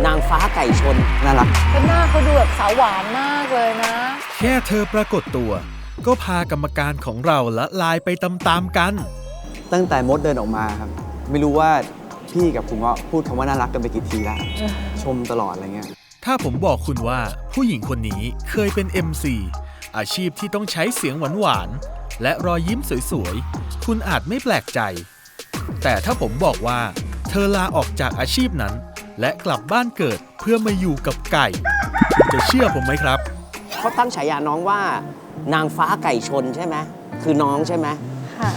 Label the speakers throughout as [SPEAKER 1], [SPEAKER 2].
[SPEAKER 1] างฟ้าไก่ชนน่ารัก
[SPEAKER 2] ก็หน้าเขาดูแบบสาวหวานมากเลยนะ
[SPEAKER 3] แค่เธอปรากฏตัวก็พากรรมการของเราละลายไปตามๆกัน
[SPEAKER 1] ตั้งแต่มดเดินออกมาครับไม่รู้ว่าพี่กับคุณก็พูดคำว่าน่ารักกันไปกี่ทีแล้วชมตลอดอะไรเงี้ย
[SPEAKER 3] ถ้าผมบอกคุณว่าผู้หญิงคนนี้เคยเป็น MC อาชีพที่ต้องใช้เสียงหวานๆและรอยยิ้มสวยๆคุณอาจไม่แปลกใจแต่ถ้าผมบอกว่าเธอลาออกจากอาชีพนั้นและกลับบ้านเกิดเพื่อมาอยู่กับไก่คุณจะเชื่อผมไหมครับ
[SPEAKER 1] เขาตั้งฉายาน้องว่านางฟ้าไก่ชนใช่ไหมคือน้องใช่ไหม
[SPEAKER 2] ค่ะ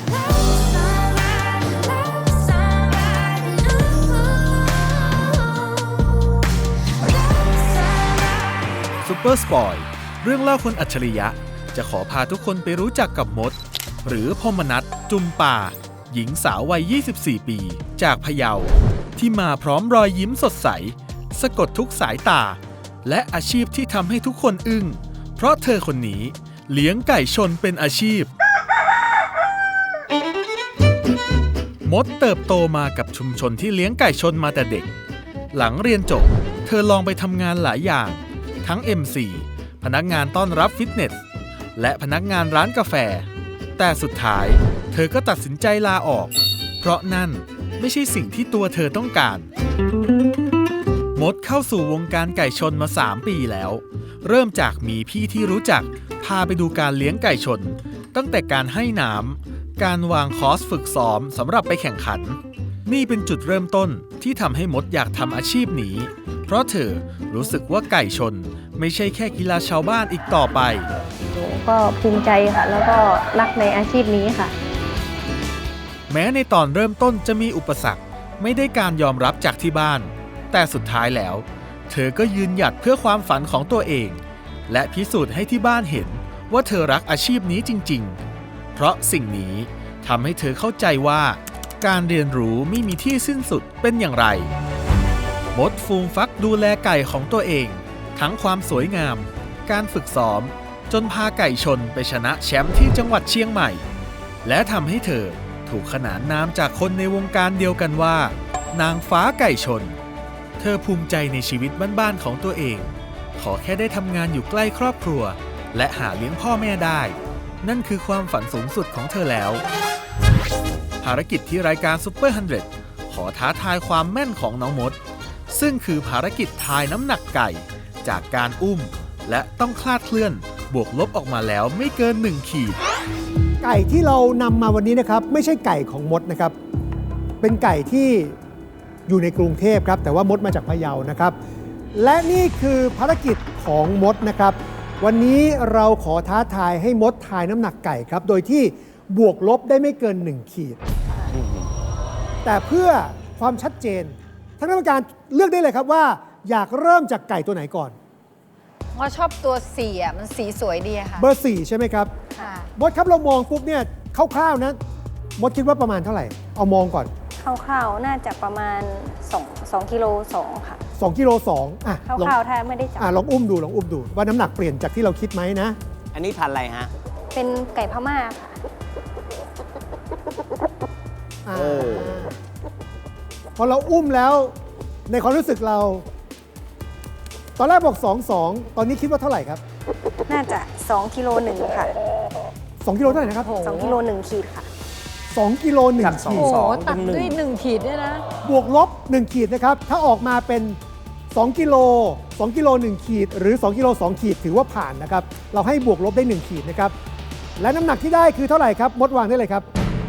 [SPEAKER 3] ซูเปอร์สปอยเรื่องเล่าคนอัจฉริยะจะขอพาทุกคนไปรู้จักกับมดหรือพมนัสจุมป่าหญิงสาววัย 24 ปีจากพะเยาที่มาพร้อมรอยยิ้มสดใสสะกดทุกสายตาและอาชีพที่ทำให้ทุกคนอึ้งเพราะเธอคนนี้เลี้ยงไก่ชนเป็นอาชีพมดเติบโตมากับชุมชนที่เลี้ยงไก่ชนมาแต่เด็กหลังเรียนจบเธอลองไปทำงานหลายอย่างทั้ง MC พนักงานต้อนรับฟิตเนสและพนักงานร้านกาแฟแต่สุดท้ายเธอก็ตัดสินใจลาออกเพราะนั่นไม่ใช่สิ่งที่ตัวเธอต้องการมดเข้าสู่วงการไก่ชนมา 3 ปีแล้วเริ่มจากมีพี่ที่รู้จักพาไปดูการเลี้ยงไก่ชนตั้งแต่การให้น้ำการวางคอร์สฝึกซ้อมสำหรับไปแข่งขันนี่เป็นจุดเริ่มต้นที่ทำให้มดอยากทำอาชีพนี้เพราะเธอรู้สึกว่าไก่ชนไม่ใช่แค่กีฬาชาวบ้านอีกต่อไป
[SPEAKER 4] หนูก็ภูมิใจค่ะแล้วก็รักในอาชีพนี้ค่ะ
[SPEAKER 3] แม้ในตอนเริ่มต้นจะมีอุปสรรคไม่ได้การยอมรับจากที่บ้านแต่สุดท้ายแล้วเธอก็ยืนหยัดเพื่อความฝันของตัวเองและพิสูจน์ให้ที่บ้านเห็นว่าเธอรักอาชีพนี้จริงๆเพราะสิ่งนี้ทำให้เธอเข้าใจว่าการเรียนรู้ไม่มีที่สิ้นสุดเป็นอย่างไรมดฟูมฟักดูแลไก่ของตัวเองทั้งความสวยงามการฝึกซ้อมจนพาไก่ชนไปชนะแชมป์ที่จังหวัดเชียงใหม่และทำให้เธอถูกขนานนามจากคนในวงการเดียวกันว่านางฟ้าไก่ชนเธอภูมิใจในชีวิตบ้านๆของตัวเองขอแค่ได้ทำงานอยู่ใกล้ครอบครัวและหาเลี้ยงพ่อแม่ได้นั่นคือความฝันสูงสุดของเธอแล้วภารกิจที่รายการซุปเปอร์100ขอท้าทายความแม่นของน้องมดซึ่งคือภารกิจทายน้ำหนักไก่จากการอุ้มและต้องคลาดเคลื่อนบวกลบออกมาแล้วไม่เกิน1ขีด
[SPEAKER 5] ไก่ที่เรานำมาวันนี้นะครับไม่ใช่ไก่ของมดนะครับเป็นไก่ที่อยู่ในกรุงเทพครับแต่ว่ามดมาจากพะเยานะครับและนี่คือภารกิจของมดนะครับวันนี้เราขอท้าทายให้มดทายน้ำหนักไก่ครับโดยที่บวกลบได้ไม่เกิน1ขีดแต่เพื่อความชัดเจนท่านกรรมการเลือกได้เลยครับว่าอยากเริ่มจากไก่ตัวไหนก่อน
[SPEAKER 2] ว่าชอบตัว4อ่ะมันสีสวยดีค่ะ
[SPEAKER 5] เบอร์4ใช่ไหมครับ
[SPEAKER 2] ค่ะ
[SPEAKER 5] มดครับเรามองปุ๊บเนี่ยคร่าวๆนะมดคิดว่าประมาณเท่าไหร่เอามองก่อน
[SPEAKER 4] คร่าวๆน่าจะประมาณ2กิโล2ค่ะ
[SPEAKER 5] 2กิโล2อ่ะ
[SPEAKER 4] คร่าวๆถ้าไม่ได้จับ
[SPEAKER 5] ลองอุ้มดูว่าน้ำหนักเปลี่ยนจากที่เราคิดไหมนะ
[SPEAKER 1] อันนี้พันอะไรฮะ
[SPEAKER 4] เป็นไก่พม่าค่ะ
[SPEAKER 5] พอเราอุ้มแล้วในความรู้สึกเราตอนแรกบอก2 ตอนนี้คิดว่าเท่าไหร่ครับ
[SPEAKER 4] น่าจะ2กิโล1ค่ะ
[SPEAKER 5] 2กิโลเท่าไหร่นะครับ
[SPEAKER 4] 2กิโล1ขีดค่ะ
[SPEAKER 5] 2กิโล1ขีด
[SPEAKER 2] โอ้โหตัดด้วย1ขีดด้วยนะ
[SPEAKER 5] บวกลบ1ขีดนะครับถ้าออกมาเป็น2กิโล1ขีดหรือ2กิโล2ขีดถือว่าผ่านนะครับเราให้บวกลบได้1ขีดนะครับและน้ำหนักที่ได้คือเท่าไหร่ครับมดวางได้เลยครับ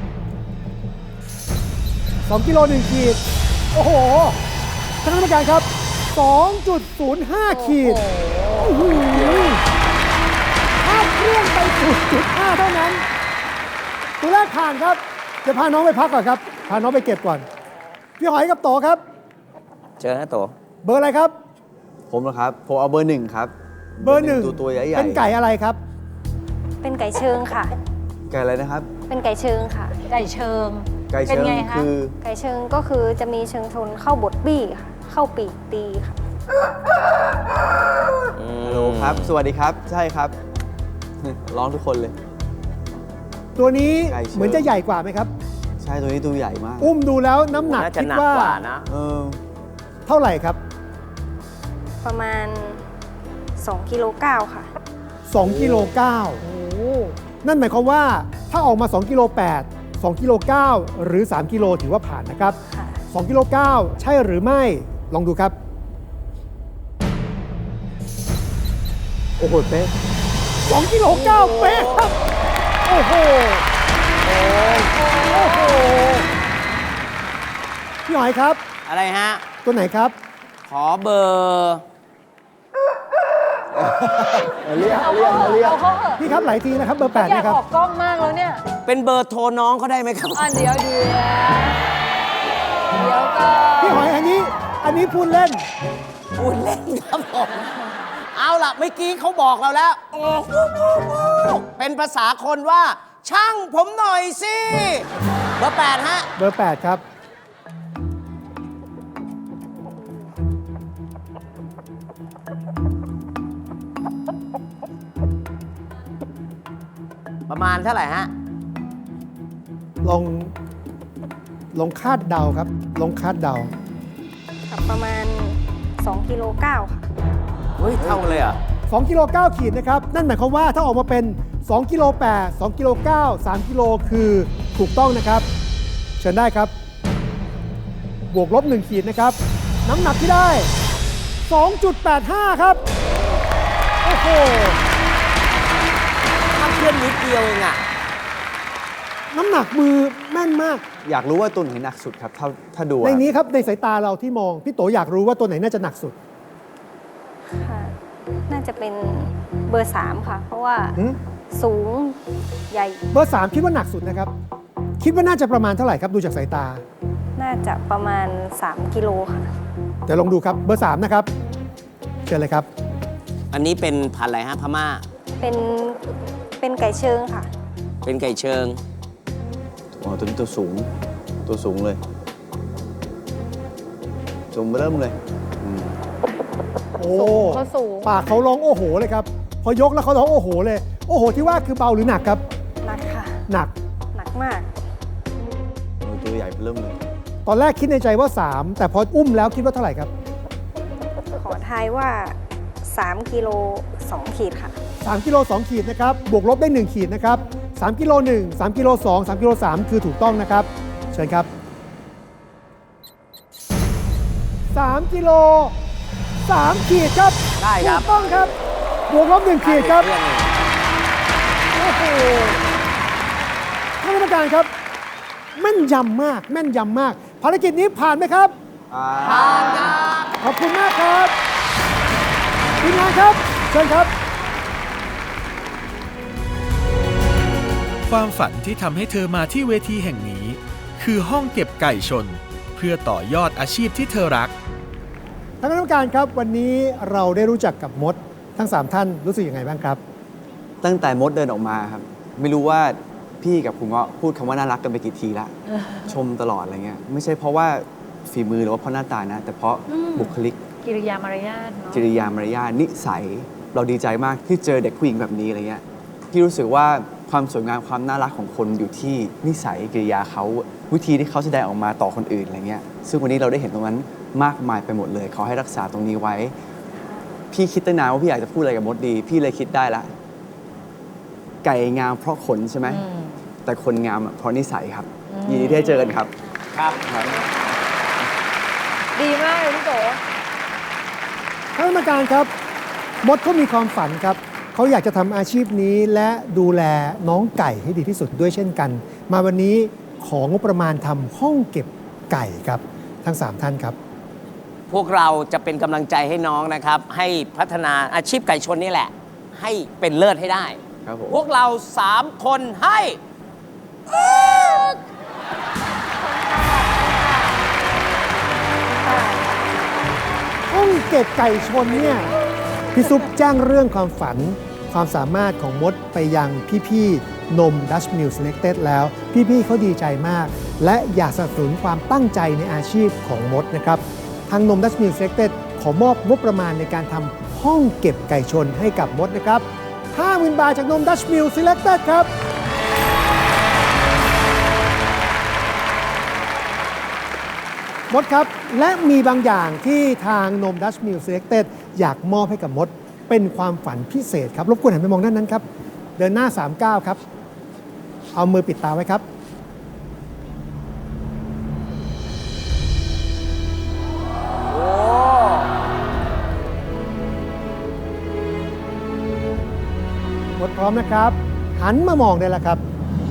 [SPEAKER 5] 2กิโล1ขีดโอ้โหท่านกรรมการครับ 2.05 ขีดถ้าเครื่องไป 0.5 เท่านั้นตัวแรกผ่านครับจะพาน้องไปพักก่อนครับพาน้องไปเก็บก่อนพี่หอยกับโตครับ
[SPEAKER 1] เจอนะโต
[SPEAKER 5] เบอร์อะไรครับ
[SPEAKER 1] ผมเหรอครับผมเอาเบอร์1ครับ
[SPEAKER 5] เบอร์1
[SPEAKER 1] ตัวใหญ่ๆ
[SPEAKER 5] เป็นไก่อะไรครับ
[SPEAKER 4] เป็นไก่เชิงค่ะ
[SPEAKER 1] ไก่อะไรนะครับ
[SPEAKER 4] เป็นไก่เชิงค่ะ
[SPEAKER 2] ไก่เชิง
[SPEAKER 1] คือ
[SPEAKER 4] ไก่เชิงก็คือจะมีเชิงชนเข้าบดบี้ค่ะเข้าปีกตีค่ะ
[SPEAKER 1] ฮัลโหลครับสวัสดีครับใช่ครับร้องทุกคนเลย
[SPEAKER 5] ตัวนี้เหมือนจะใหญ่กว่าไหมครับ
[SPEAKER 1] ใช่ตัวนี้ตัวใหญ่มาก
[SPEAKER 5] อุ้มดูแล้วน้ำหนักคิดว่า
[SPEAKER 1] เท่าไหร่ครับ
[SPEAKER 4] ประมาณ2กิโล9ค่ะ
[SPEAKER 5] 2กิโล9นั่นหมายความว่าถ้าออกมา2กิโล8 2กิโล9หรือ3กิโลถือว่าผ่านนะครับ
[SPEAKER 4] ค่ะ
[SPEAKER 5] 2กิโล9ใช่หรือไม่ลองดูครับ โอ้โหเป๊ะ2กิโล9เป๊ะครับโอ้โหโอ้โหพี่หอยครับ
[SPEAKER 6] อะไรฮะ
[SPEAKER 5] ตัวไหนครับ
[SPEAKER 6] ขอเบอร์
[SPEAKER 5] เรียก
[SPEAKER 2] เอาเขาเถอะ
[SPEAKER 5] พี่ครับหลายทีนะครับเบอร์
[SPEAKER 2] อยา
[SPEAKER 5] 8
[SPEAKER 2] ก
[SPEAKER 5] นะครับ
[SPEAKER 2] ออกกล้องมากแล้วเนี่ย
[SPEAKER 6] เป็นเบอร์โทรน้องเขาได้ไหมครับ
[SPEAKER 2] เดี๋ยวก็
[SPEAKER 5] พี่หอยอันนี้พูดเล่น
[SPEAKER 6] พูดเล่นครับผม เอาล่ะเมื่อกี้เขาบอกเราแล้ว เป็นภาษาคนว่า ช่างผมหน่อยสิ เบอร์ 8 ฮะ
[SPEAKER 5] เบอร์ 8 ครับ
[SPEAKER 6] ประมาณเท่าไหร่ฮะ
[SPEAKER 5] ลองคาดเดาครับ ลองคาดเดา
[SPEAKER 4] ค่ะประมาณ2กิโล9ค่ะ
[SPEAKER 6] เฮ้ย เท่าเลยเหรอ่ะ
[SPEAKER 5] 2กิโล9ขีดนะครับ นั่นหมายความว่าถ้าออกมาเป็น2กิโล8 2กิโล9 3กิโลคือถูกต้องนะครับ เชิญได้ครับ บวกลบ1ขีดนะครับ น้ำหนักที่ได้ 2.85 ครับ โอ้โห
[SPEAKER 6] ถ้าเพื่อนนิดเดียวเองอ่ะ
[SPEAKER 5] น้ำหนักมือแม่นมาก
[SPEAKER 1] อยากรู้ว่าตัวไหนหนักสุดครับ ถ้าดู
[SPEAKER 5] ใน
[SPEAKER 1] อะ
[SPEAKER 5] นี้ครับในสายตาเราที่มอง พี่โตอยากรู้ว่าตัวไหนน่าจะหนักสุด
[SPEAKER 4] ค่ะ น่าจะเป็นเบอร์ 3 ค่ะ เพราะว่า
[SPEAKER 5] หืม
[SPEAKER 4] สูงใหญ่
[SPEAKER 5] เบอร์ 3 คิดว่าหนักสุดนะครับ คิดว่าน่าจะประมาณเท่าไหร่ครับดูจากสายตา
[SPEAKER 4] น่าจะประมาณ3กิโลค่ะ
[SPEAKER 5] เดี๋ยวลองดูครับเบอร์ 3 นะครับ เชิญเลยครับ
[SPEAKER 6] อันนี้เป็นพันธุ์อะไรฮะ พม่า
[SPEAKER 4] เป็นไก่เชิงค่ะ
[SPEAKER 6] เป็นไก่เชิง
[SPEAKER 1] อ๋อตัวนี้ตัวสูงเลยสูงเริ่มเลยอืม
[SPEAKER 5] โอ้
[SPEAKER 2] เขาสูง
[SPEAKER 5] ปากเขาร้องโอ้โหเลยครับ พอยกแล้วเขาร้องโอ้โหเลย โอ้โหที่ว่าคือเบาหรือหนักครับ
[SPEAKER 4] หนักค่ะ
[SPEAKER 5] หนัก
[SPEAKER 4] หนักมาก
[SPEAKER 1] ตัวใหญ่เริ่มเลย
[SPEAKER 5] ตอนแรกคิดในใจว่า 3 แต่พออุ้มแล้วคิดว่าเท่าไหร่ครับ
[SPEAKER 4] ขอทายว่า3กิโล2ขีดค่ะ
[SPEAKER 5] 3กิโล2ขีดนะครับ บวกลบได้ 1 ขีดนะครับ3กิโล1 3กิโล2 3กิโล3คือถูกต้องนะครับ เชิญครับ3กิโล3ขีดครับ
[SPEAKER 6] ได้ครับ
[SPEAKER 5] ถูกต้องครับ บวกลบ1ขีดครับ โอ้โหท่านกรรมการครับ แม่นยำมาก แม่นยำมาก ภารกิจนี้ผ่านไหมครับ ขอบคุณมากครับทีมงานครับ เชิญครับ
[SPEAKER 3] ความฝันที่ทำให้เธอมาที่เวทีแห่งนี้ คือห้องเก็บไก่ชน เพื่อต่อยอดอาชีพที่เธอรัก
[SPEAKER 5] ท่านกรรมการครับ วันนี้เราได้รู้จักกับมด ทั้ง 3 ท่านรู้สึกยังไงบ้างครับ
[SPEAKER 1] ตั้งแต่มดเดินออกมาครับ ไม่รู้ว่าพี่กับคุณเงาะพูดคำว่าน่ารักกันไปกี่ทีละชมตลอดอะไรเงี้ยไม่ใช่เพราะว่าฝีมือหรือว่าเพราะหน้าตานะ แต่เพราะบุคลิก
[SPEAKER 2] กิริยามารยาทเนาะ
[SPEAKER 1] จริยามารยาทนิสัย เราดีใจมากที่เจอเด็กผู้หญิงแบบนี้อะไรเงี้ยพี่รู้สึกว่าความสวยงามความน่ารักของคนอยู่ที่นิสัยกิริยาเขาวิธีที่เขาแสดงออกมาต่อคนอื่นอะไรเงี้ยซึ่งวันนี้เราได้เห็นตรงนั้นมากมายไปหมดเลยขอให้รักษาตรงนี้ไว้ พี่คิดตั้งนานว่าพี่อยากจะพูดอะไรกับมดดี พี่เลยคิดได้ละไก่งามเพราะขนใช่ไหมแต่คนงามเพราะนิสัยครับยินดีที่ได้เจอกันครับ
[SPEAKER 6] ครับ
[SPEAKER 2] ดีมากเลยพี่โต
[SPEAKER 5] ท่านกรรมการครับ มดเขามีความฝันครับ เขาอยากจะทำอาชีพนี้และดูแลน้องไก่ให้ดีที่สุดด้วยเช่นกัน มาวันนี้ของงบประมาณทำห้องเก็บไก่ครับ ทั้ง 3 ท่านครับ
[SPEAKER 6] พวกเราจะเป็นกำลังใจให้น้องนะครับ ให้พัฒนาอาชีพไก่ชนนี่แหละ ให้เป็นเลิศให้ได้
[SPEAKER 1] ครับผม
[SPEAKER 6] พวกเรา 3 คนให้
[SPEAKER 5] ห้องเก็บไก่ชนเนี่ยพี่ซุปแจ้งเรื่องความฝัน ความสามารถของมดไปยังพี่ๆนม Dutch Mill Selected แล้ว พี่ๆเขาดีใจมาก และอยากสนับสนุนความตั้งใจในอาชีพของมดนะครับ ทางนม Dutch Mill Selected ขอมอบงบประมาณในการทำห้องเก็บไก่ชนให้กับมดนะครับ 50,000 บาทจากนม Dutch Mill Selected ครับ ยมดครับ และมีบางอย่างที่ทางนม Dutch Mill Selected อยากมอบให้กับมด เป็นความฝันพิเศษครับ รบกวนหันไปมองด้านนั้นครับ เดินหน้า 39 ครับ เอามือปิดตาไว้ครับ มดพร้อมนะครับ หันมามองได้แล้วครับ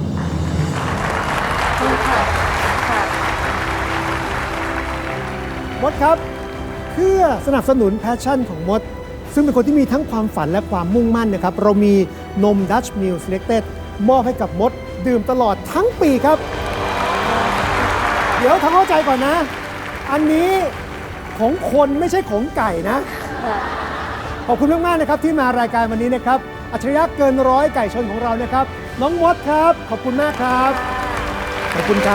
[SPEAKER 5] มดครับ เพื่อสนับสนุนแพชชั่นของมด ซึ่งเป็นคนที่มีทั้งความฝันและความมุ่งมั่นนะครับ เรามีนม Dutch Mill Selected มอบให้กับมด ดื่มตลอดทั้งปีครับ เดี๋ยวทำเข้าใจก่อนนะ อันนี้ของคนไม่ใช่ของไก่นะ ขอบคุณมาก ๆ นะครับที่มารายการวันนี้นะครับ อัจฉริยะเกินร้อยไก่ชนของเรานะครับ น้องมดครับ ขอบคุณมากครับ ขอบคุณครับ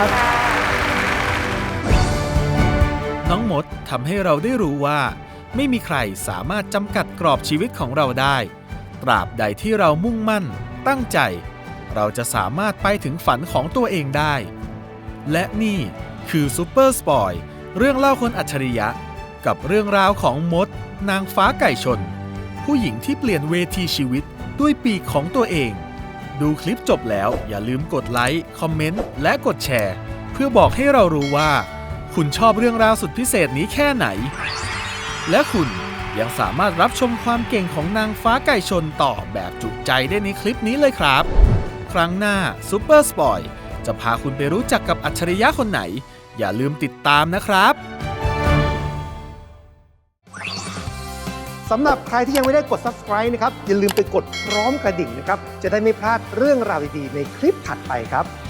[SPEAKER 3] น้องมดทำให้เราได้รู้ว่า ไม่มีใครสามารถจำกัดกรอบชีวิตของเราได้ ตราบใดที่เรามุ่งมั่น ตั้งใจ เราจะสามารถไปถึงฝันของตัวเองได้ และนี่คือซูเปอร์สปอยเรื่องเล่าคนอัจฉริยะ กับเรื่องราวของมด นางฟ้าไก่ชน ผู้หญิงที่เปลี่ยนเวทีชีวิตด้วยปีกของตัวเอง ดูคลิปจบแล้วอย่าลืมกดไลค์ คอมเมนต์ และกดแชร์ เพื่อบอกให้เรารู้ว่า คุณชอบเรื่องราวสุดพิเศษนี้แค่ไหน และคุณยังสามารถรับชมความเก่งของนางฟ้าไก่ชนต่อแบบจุใจได้ในคลิปนี้เลยครับ ครั้งหน้าซูเปอร์สปอยจะพาคุณไปรู้จักกับอัจฉริยะคนไหน อย่าลืมติดตามนะครับ
[SPEAKER 5] สำหรับใครที่ยังไม่ได้กด subscribe นะครับ อย่าลืมไปกดพร้อมกระดิ่งนะครับ จะได้ไม่พลาดเรื่องราวดี ๆ ในคลิปถัดไปครับ